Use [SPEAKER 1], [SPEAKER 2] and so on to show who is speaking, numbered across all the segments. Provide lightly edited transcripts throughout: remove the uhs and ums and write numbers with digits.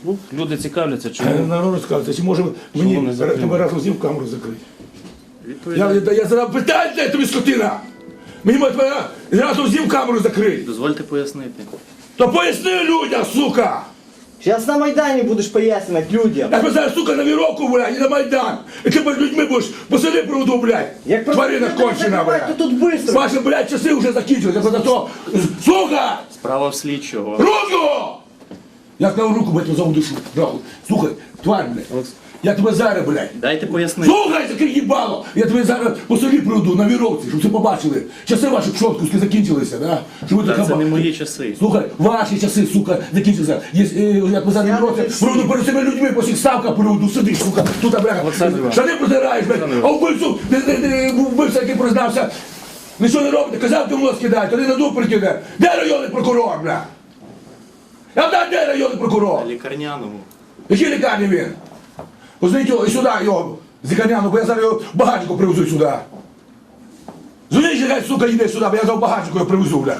[SPEAKER 1] Ну, люди цікавляться, чому.
[SPEAKER 2] Народ розказується, чи може мені
[SPEAKER 1] не закрили?
[SPEAKER 2] тебе разом з ним камеру закрити?
[SPEAKER 1] Відповідаю.
[SPEAKER 2] Я задав питання, де тобі скотина! Мені може тебе разом з ним камеру закрити.
[SPEAKER 1] Дозвольте пояснити.
[SPEAKER 2] То поясни людям, сука!
[SPEAKER 3] Сейчас на Майдані будеш пояснювати людям.
[SPEAKER 2] Я тебе зараз, сука, на віровку, блядь, і на Майдан. І ти перед людьми будеш по селі проводу, блядь.
[SPEAKER 3] Як
[SPEAKER 2] Тварина кончена,
[SPEAKER 3] то
[SPEAKER 2] блядь.
[SPEAKER 3] тут быстро.
[SPEAKER 2] Ваші, блядь, часи вже закінчилися. За то, сука!
[SPEAKER 1] Справа в слідчого.
[SPEAKER 2] Руку! Я сказав руку, блядь, за душу. Нахуй. Слухай, тварь, блядь. Я тебе зараз, блядь.
[SPEAKER 1] Дайте пояснити.
[SPEAKER 2] Слухай, закрий їбало! Я тебе зараз по селі приведу на віровці, щоб все побачили. Часи ваші пшоткуски закінчилися, да? Щоб ви
[SPEAKER 1] Та
[SPEAKER 2] така
[SPEAKER 1] це не
[SPEAKER 2] ба-
[SPEAKER 1] мої часи.
[SPEAKER 2] Слухай, ваші часи, сука, закінчилися. Я тебе зараз на віровці приведу перед цими людьми, по всіх ставках приведу, сидиш, сука, тут, бляха.
[SPEAKER 1] Олександр Іванович.
[SPEAKER 2] Штани протираєш, блядь, а вбивцю, вбивця, який признався, нічого не робите, казав, ти в нос кидай, тоді на дуб прикине. Де районний прокурор, бля? Я знаю, де районний прокурор?
[SPEAKER 1] На лікарняному.
[SPEAKER 2] Якій лікарні він? Позвоніть його і сюди, його, з лікарняну, бо я зараз його багатько привезу сюди. Дзвоніть, хай, сука, йде сюди, бо я зараз багатько його привезу, бля.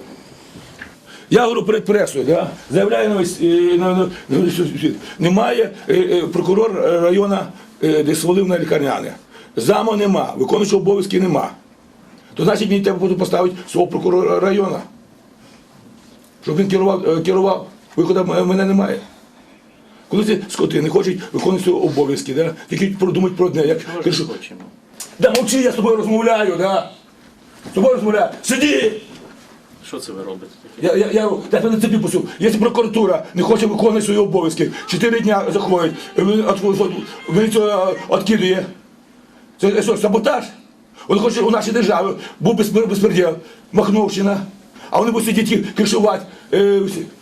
[SPEAKER 2] Я говорю перед пресою, да? Заявляю на весь світ. Немає прокурор району, де свалив на лікарняне. Заму нема, виконуючого обов'язки нема. То значить мені треба буде поставити свого прокурора району. Щоб він керував, виходу в мене немає. Коли ці скоти не хочуть виконувати свої обов'язки, да? Тільки продумати про одне, як
[SPEAKER 1] Ми
[SPEAKER 2] кажу,
[SPEAKER 1] ж хочемо.
[SPEAKER 2] да мовчи, я з тобою розмовляю, да? З тобою розмовляю. Сиди!
[SPEAKER 1] Що це ви робите таке?
[SPEAKER 2] Я тебе на цепі пустив. Якщо прокуратура не хоче виконувати свої обов'язки, 4 дня заходить, він це відкидує. Це що, саботаж? Вони хочуть у нашій державі, був безпреділ, Махновщина, а вони будуть сидіти кришувати